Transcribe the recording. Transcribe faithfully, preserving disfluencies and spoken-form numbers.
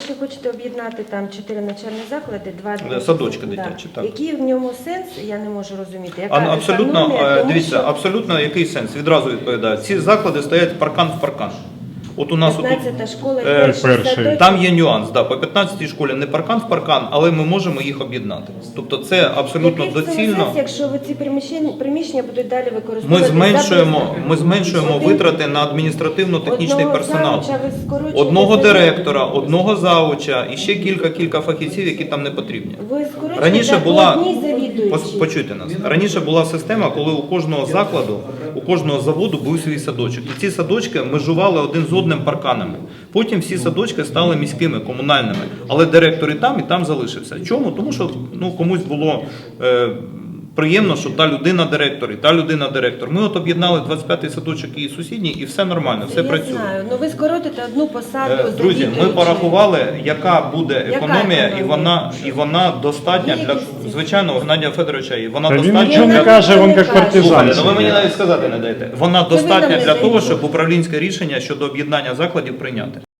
якщо хочете об'єднати там чотири навчальні заклади, два Садочки да. дитячі, так. Який в ньому сенс, я не можу розуміти. Яка А, абсолютно, економія, е, тому дивіться, що абсолютно який сенс? Відразу відповідаю. Ці заклади стоять паркан в паркан. От у нас отут, п'ятнадцята школа і е, перший перший. садочок. там є нюанс, да, по п'ятнадцятій школі не паркан в паркан, але ми можемо їх об'єднати. Тобто це абсолютно Який в цьому доцільно. сенс, якщо ви ці приміщення, приміщення будуть далі використовувати? Ми зменшуємо, за ми зменшуємо Один- витрати на адміністративно-технічний одного персонал. завуча ви скорочуєте Одного за- директора, одного зауча і ще кілька-кілька фахівців, які там не потрібні. Ви скорочуєте Раніше по була, одній завідуючій. пос- почуйте нас, раніше була система, коли у кожного закладу, у кожного заводу був свій садочок. І ці садочки межували один з одним парканами. Потім всі садочки стали міськими, комунальними. Але директор і там, і там залишився. Чому? Тому що ну, комусь було е, приємно, що та людина директор, і та людина директор. Ми от об'єднали двадцять п'ятий садочок і сусідній, і все нормально, все Я працює. знаю, ну ви скоротите одну посаду Е, Друзі, ми завідуючої. порахували, яка буде Яка економія, і економія? вона, і вона достатня Є для, якісь- звичайно, у Геннадія Федоровича, і вона Та він достатня. нічого не Я каже, навіть він не як кажу. партизан. Слухайте, ну ви мені навіть сказати не даєте. Вона Це ви достатня нам не для того, даєте. щоб управлінське рішення щодо об'єднання закладів прийняти.